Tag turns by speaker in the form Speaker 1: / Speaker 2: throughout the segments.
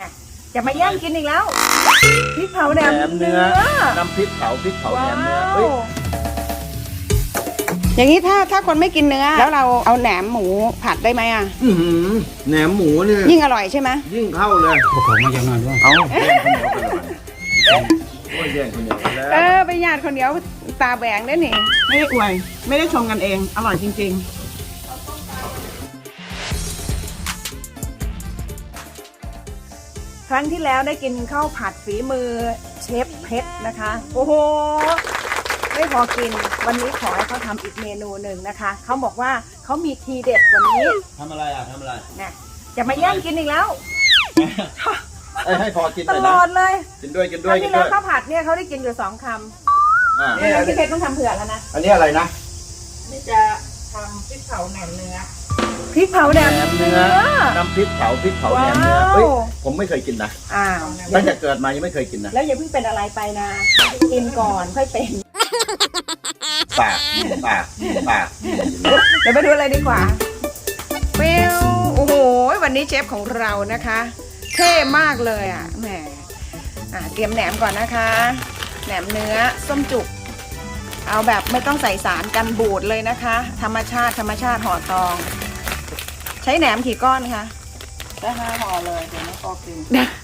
Speaker 1: จะมาแย่งกินอีกแล้วพริกเผาแหนมเนื้อ
Speaker 2: น้ำพริกเผาแหนมเนื้อ
Speaker 1: อย่างนี้ถ้าคนไม่กินเนื้อแล้วเราเอาแหนมหมูผัดได้ไหมอ่ะ
Speaker 2: แหนมหมูเนี่ย
Speaker 1: ยิ่งอร่อยใช่ไหม
Speaker 2: ยิ่งเข้าเลย
Speaker 3: ผมมาอย่างนั้นด้วย
Speaker 2: เอาแย่งคนเดียวไปเลยแย่งคนเดียวไปแล้ว
Speaker 1: ไปญาติคนเดียวตาแหวงได้นี่ไม่ได้อวยไม่ได้ชมกันเองอร่อยจริงๆครั้งที่แล้วได้กินข้าวผัดฝีมือเชฟเพชรนะคะโอ้โหไม่พอกินวันนี้ขอให้เขาทำอีกเมนูหนึ่งนะคะเขาบอกว่าเขามีทีเด็ดวันนี้
Speaker 2: ทำอะไร
Speaker 1: นะจะมาแย่งกินอีกแล้ว
Speaker 2: ให้พอกิน
Speaker 1: ตลอดเลย
Speaker 2: กินด้วย
Speaker 1: ครั้งที่แล้วข้าวผัดเนี่ยเขาได้กินอยู่2 คำนี่พี่เพชรต้องทำเผื่อแล้วนะ
Speaker 2: อันนี้อะไรนะ
Speaker 1: นี่จะทำพริกเผาแหนมเนื้อพริกเผาแหนมเนื้อ
Speaker 2: น้ำพริกเผาแหนมเนื้อผมไม่เคยกินนะตั้งแต่เกิดมายังไม่เคยกินนะ
Speaker 1: แล้วอย่าเพิ่งเป็นอะไรไปนะกินก่อนค่อยเป็น
Speaker 2: ปาก
Speaker 1: เดี๋ยวไปดูอะไรดีกว่าเปลโอ้โหวันนี้เชฟของเรานะคะเท่มากเลยอ่ะแหมเตรียมแหนมก่อนนะคะแหนมเนื้อส้มจุกเอาแบบไม่ต้องใส่สารกันบูดเลยนะคะธรรมชาติห่อตองใช้แหนมกี่ก้อนคะได้5 ห่อเลยเดี๋ยวไม่พอกิน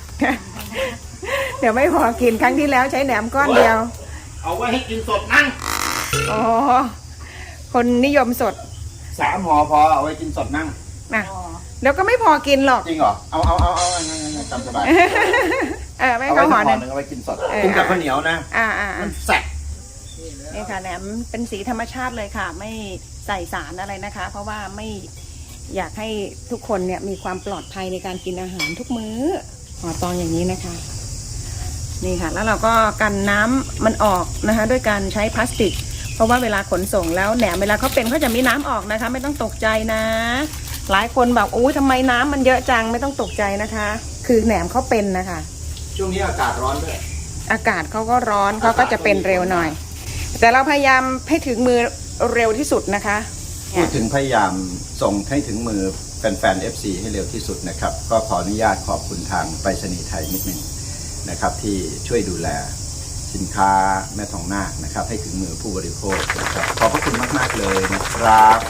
Speaker 1: เดี๋ยวไม่พอกินครั้งที่แล้วใช้แหนมก้อนเดียว
Speaker 2: เอาไว้ให้กินสดนั่ง
Speaker 1: อ๋อคนนิยมสด
Speaker 2: 3 ห่อพอเอาไว้กินสดนั่ง
Speaker 1: นะแล้วก็ไม่พอกินหรอก
Speaker 2: จริงเหรอเอาจำสบาย
Speaker 1: ไม่เขาห่อหนึ่ง
Speaker 2: เอาไว้กินสดกินกับข้าวเหนียวนะมันแซ่บ
Speaker 1: นี่ค่ะแหนมเป็นสีธรรมชาติเลยค่ะไม่ใส่สารอะไรนะคะเพราะว่าไม่อยากให้ทุกคนเนี่ยมีความปลอดภัยในการกินอาหารทุกมื้อห่อตองอย่างนี้นะคะนี่ค่ะแล้วเราก็กันน้ำมันออกนะคะด้วยการใช้พลาสติกเพราะว่าเวลาขนส่งแล้วแหนมเวลาเขาเป็นเขาจะมีน้ำออกนะคะไม่ต้องตกใจนะหลายคนแบบอู้ทำไมน้ำมันเยอะจังไม่ต้องตกใจนะคะคือแหนมเขาเป็นนะคะ
Speaker 2: ช่วงนี้อากาศร้อนด้วย
Speaker 1: อากาศเขาก็ร้อนเขาก็จะเป็นเร็วหน่อยแต่เราพยายามให้ถึงมือเร็วที่สุดนะคะ
Speaker 2: พูดถึงพยายามส่งให้ถึงมือแฟนๆ FC ให้เร็วที่สุดนะครับก็ขออนุญาตขอบคุณทางไปรษณีย์ไทยนิดนึงนะครับที่ช่วยดูแลสินค้าแม่ทองนาคนะครับให้ถึงมือผู้บริโภคนะครับขอบพระคุณมากๆเลยนะครับ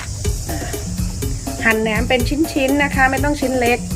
Speaker 1: หั่นแหนมเป็นชิ้นๆนะคะไม่ต้องชิ้นเล็ก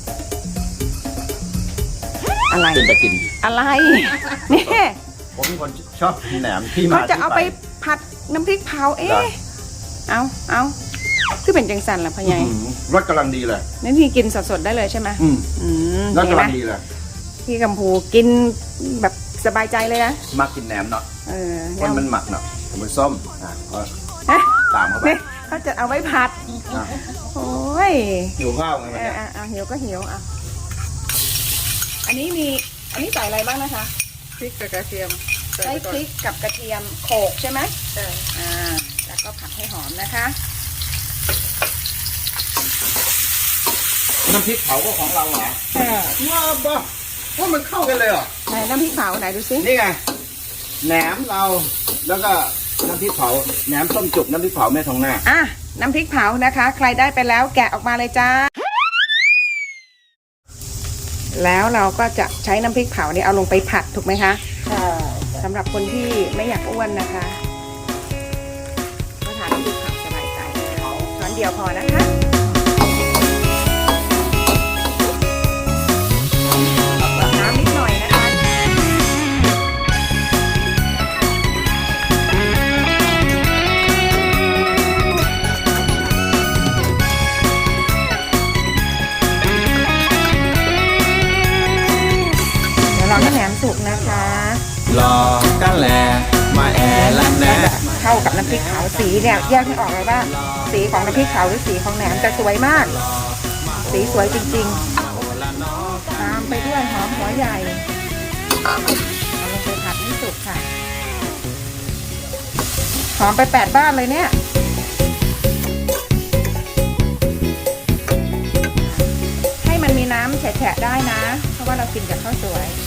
Speaker 1: อะไร
Speaker 2: เป็นตะกิน
Speaker 1: อะไรนี่
Speaker 2: ผมเป็นคนชอบกินแหนมที่มา
Speaker 1: เขาจะเอาไปผัดน้ำพริกเผาเอาคือเป็นจังสันล่ะพ่อใหญ่
Speaker 2: รสกำลังดีเลย
Speaker 1: นั่นพี่กินสดๆได้เลยใช่ไหม
Speaker 2: รสกำลังดีเลย
Speaker 1: พี่กัมพูกินแบบสบายใจเลยนะ
Speaker 2: มากินแหนมเนาะมันหมักเนาะมันส้มตามเข้าไป
Speaker 1: เขาจะเอาไว้ผัดโอ้ย
Speaker 2: หิวข้าวไงมัน
Speaker 1: หิวก็หิวอันนี้ใส่อะไรบ้างนะคะ
Speaker 3: พริกกับกระเทียม
Speaker 1: ใช้พริกกับกระเทียมโขลกใช่ไหมใช่แล้วก็ผัดให้หอมนะคะ
Speaker 2: น้ำพริกเผาก็ของเราเหรอว้าวบ้าว่ามันเข้ากันเลยเหรอ
Speaker 1: ไหนน้ำพริกเผาไหนดูสิ
Speaker 2: นี่ไงแหนมเราแล้วก็น้ำพริกเผาแหนมส้มจุกน้ำพริกเผาแม่ทองนาค
Speaker 1: น้ำพริกเผานะคะใครได้ไปแล้วแกะออกมาเลยจ้าแล้วเราก็จะใช้น้ำพริกเผานี่เอาลงไปผัดถูกไหมคะสำหรับคนที่ไม่อยากอ้วนนะคะก็ทานน้ำพริกเผาสบายใจช้อนเดียวพอนะคะน้ำนิดหน่อยนะคะรอให้แหนมสุกนะคะ
Speaker 2: รอกันแหละมาแอละแน่
Speaker 1: เข้ากับน้ำพริกเผาสีเนี่ยแยกไม่ออกเลยว่าสีของน้ำพริกเผาหรือสีของแหนมจะสวยมากสีสวยจริงๆตามไปด้วยหอมหัวใหญ่เอาลงไปผัดให้สุกค่ะหอมไป8 บ้านเลยเนี่ยให้มันมีน้ำแฉะๆได้นะเพราะว่าเรากินกับข้าวสวย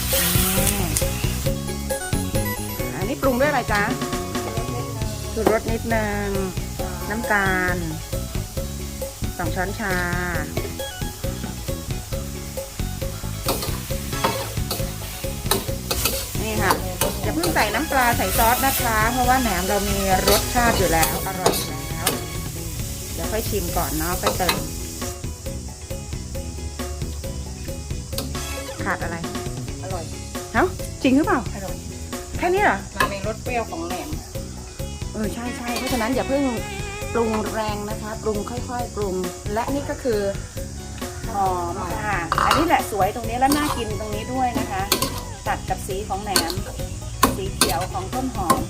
Speaker 1: อันนี้ปรุงด้วยอะไรจ๊ะชูรสนิดนึงน้ำตาล2 ช้อนชาส่น้ำปลาใส่ซอสนะคะ เพราะว่าแหนมเรามีรสชาติอยู่แล้วอร่อยอยู่แล้ว เดี๋ยวค่อยชิมก่อนเนาะไปเติมขาดอะไร
Speaker 3: อร่อย
Speaker 1: เอ้าจริงหรือเปล่า
Speaker 3: อร่อย
Speaker 1: แค่นี้เหรอ
Speaker 3: มันมีรสเปรี้ยวของแหนม
Speaker 1: ใช่ใช่เพราะฉะนั้นอย่าเพิ่งปรุงแรงนะคะปรุงค่อยๆปรุงและนี่ก็คือหอมค่ะอันนี้แหละสวยตรงนี้และน่ากินตรงนี้ด้วยนะคะตัดกับสีของแหนมสีเขียวของต้นหอม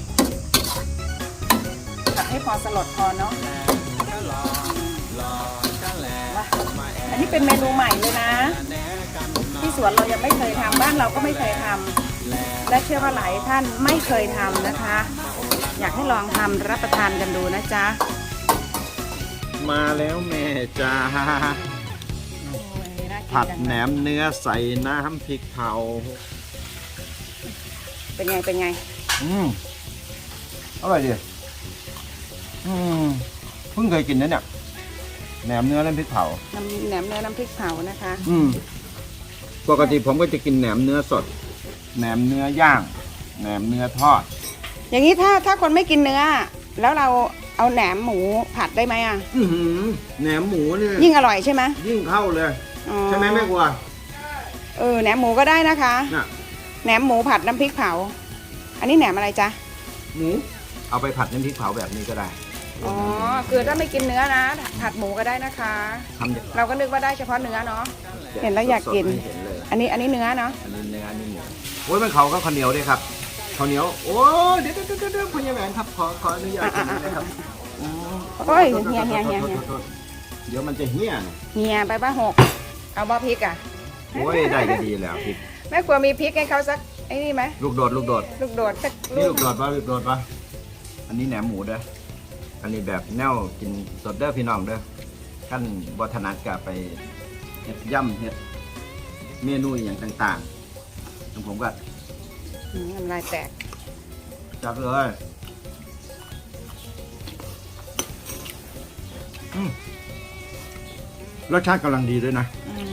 Speaker 1: ผัดให้พอสลดพอเนาะว้าอันนี้เป็นเมนูใหม่เลยนะที่สวนเรายังไม่เคยทำบ้านเราก็ไม่เคยทำและเชื่อว่าหลายท่านไม่เคยทำนะคะอยากให้ลองทำรับประทานกันดูนะจ๊ะ
Speaker 2: มาแล้วแม่จ้า
Speaker 1: โอ้ยน่ากิน
Speaker 2: ผัด
Speaker 1: จัง
Speaker 2: แหนมเนื้อใส่น้ำพริกเผา
Speaker 1: เป็นไงเป็นไง
Speaker 2: อร่อยดีเพิ่งเคยกินนะเนี่ยแหนมเนื้อน้ำพริกเผา
Speaker 1: แหนมเนื้อน้ำพริกเผานะคะ
Speaker 2: ปกติผมก็จะกินแหนมเนื้อสดแหนมเนื้อย่างแหนมเนื้อทอด
Speaker 1: อย่างนี้ถ้าคนไม่กินเนื้อ แล้วเราเอาแหนมหมูผัดได้ไหมอ่ะ
Speaker 2: แหนมหมูเนี่ย
Speaker 1: ยิ่งอร่อยใช่ไหม
Speaker 2: ยิ่งเข้าเลย
Speaker 1: อ๋อ
Speaker 2: ใช่ไหมแม่กลัว
Speaker 1: แหนมหมูก็ได้นะคะ
Speaker 2: น่ะ
Speaker 1: แหนมหมูผัดน้ำพริกเผา อันนี้แหนมอะไรจ๊ะ
Speaker 2: หมูเอาไปผัดน้ำพริกเผาแบบนี้ก็ได้
Speaker 1: อ๋อคือถ้าไม่กินเนื้อนะผัดหมูก็ได้นะคะ
Speaker 2: ทำอย่าง
Speaker 1: เราก็นึกว่าได้เฉพาะเนื้อเนาะ เห็นแล้วอยากกิน
Speaker 2: สดๆให้เห็นเลย
Speaker 1: อันนี้เนื้อเนาะ
Speaker 2: อันนี้เนื้ออันนี้หมูโอ้ยมันเขาก็ข้าวเหนียวด้วยครับข้าวเหนียวโอ้เดี๋ยวคุณยายแหวนครับขออนุญาตกินนะครับ
Speaker 1: โอ้ยเฮีย
Speaker 2: เดี๋ยวมันจะเหี้ยนะ
Speaker 1: เฮียไปบ้าหกเอาบ้าพริกอ่ะ
Speaker 2: โอ้ยได้ก็ดีแล้วพริก
Speaker 1: แม่ครัวมีพริกให้เขาสักไอ้นี่ไหม
Speaker 2: ลูกโดด
Speaker 1: ลูกโดดสัก
Speaker 2: นี่
Speaker 1: ลู
Speaker 2: ลู
Speaker 1: ก
Speaker 2: กโดดปะอันนี้แหนมหมูเด้ออันนี้แบบแนวกินสดเด้อพี่น้องเด้อขั้นบัถนัดกับไปเฮ็ดย่ำเฮ็ดเมนูอย่างต่างๆของผมก็
Speaker 1: น้ำลายแตก
Speaker 2: จัดเลยรสชาติกำลังดีด้วยนะ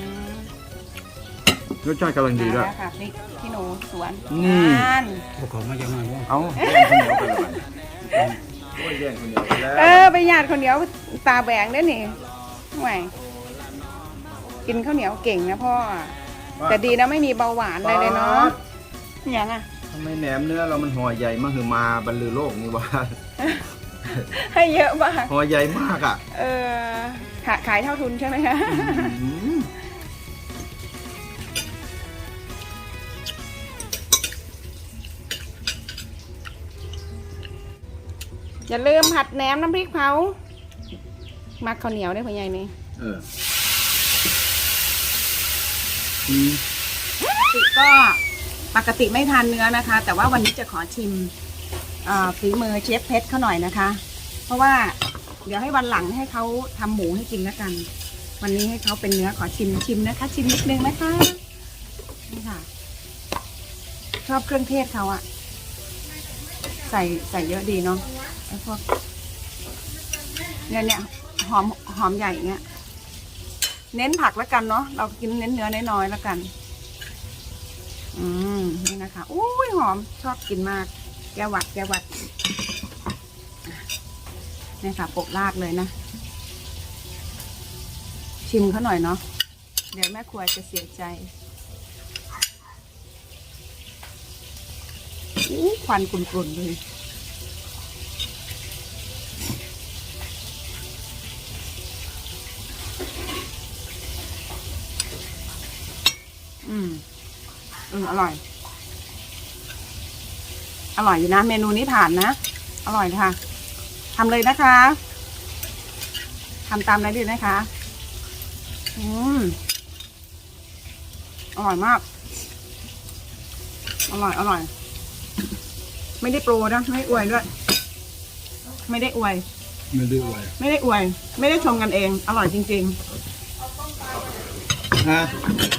Speaker 2: รสชาติกำลังดีด้วย
Speaker 1: มาแล้วค่ะพริกขี้หนูสวน
Speaker 2: นี่
Speaker 1: นั่น
Speaker 3: พวกเขามาจากไหนวะ
Speaker 2: เอาแย่งคนเดียวไปเลยโอ้ยแย่งคนเดียวไปแล้ว
Speaker 1: ไปญาติคนเดียวตาแบงได้นี่ห่วยกินข้าวเหนียวเก่งนะพ่อ แต่ดีนะไม่มีเบาหวานอะไรเลยเนาะอย่างอ่ะ
Speaker 2: ทำไมแหนมเนื้อเรามันห่อใหญ่มากคือมาบรรลือโลกนี่วะ
Speaker 1: ให้เยอะมาก
Speaker 2: ห่อใหญ่มากอ่ะ
Speaker 1: ขายเท่าทุนใช่ไหมคะ อย่าลืมผัดแหนมน้ำพริกเผามักข้าวเหนียวได้พ่อใหญ่นี่ ก็ปกติไม่ทานเนื้อนะคะ แต่ว่าวันนี้จะขอชิมฝีมือเชฟเพชรเขาหน่อยนะคะ เพราะว่าเดี๋ยวให้วันหลังให้เขาทำหมูให้กินแล้วกัน วันนี้ให้เขาเป็นเนื้อขอชิมนะคะ ชิมนิดนึงนะคะนี่ค่ะ ชอบเครื่องเทศเขาอะใส่เยอะดีเนาะไอ้พวกเนี่ยหอมใหญ่เงี้ยเน้นผักแล้วกันเนาะเรากินเน้นเนื้อน้อยๆแล้วกันนี่นะคะอุ้ยหอมชอบกินมากแก้วหวัดนี่ค่ะโปะราดเลยนะชิมเขาหน่อยเนาะเดี๋ยวแม่ครัวจะเสียใจควันกลุ่นๆเลยอร่อยอยู่นะเมนูนี้ผ่านนะอร่อยค่ะทำเลยนะคะทำตามได้ดีนะคะอร่อยมากอร่อยไม่ได้โปรนะไม่ได้อวยด้วยไม่ได้อวยไม่ได้ชมกันเองอร่อยจริงๆ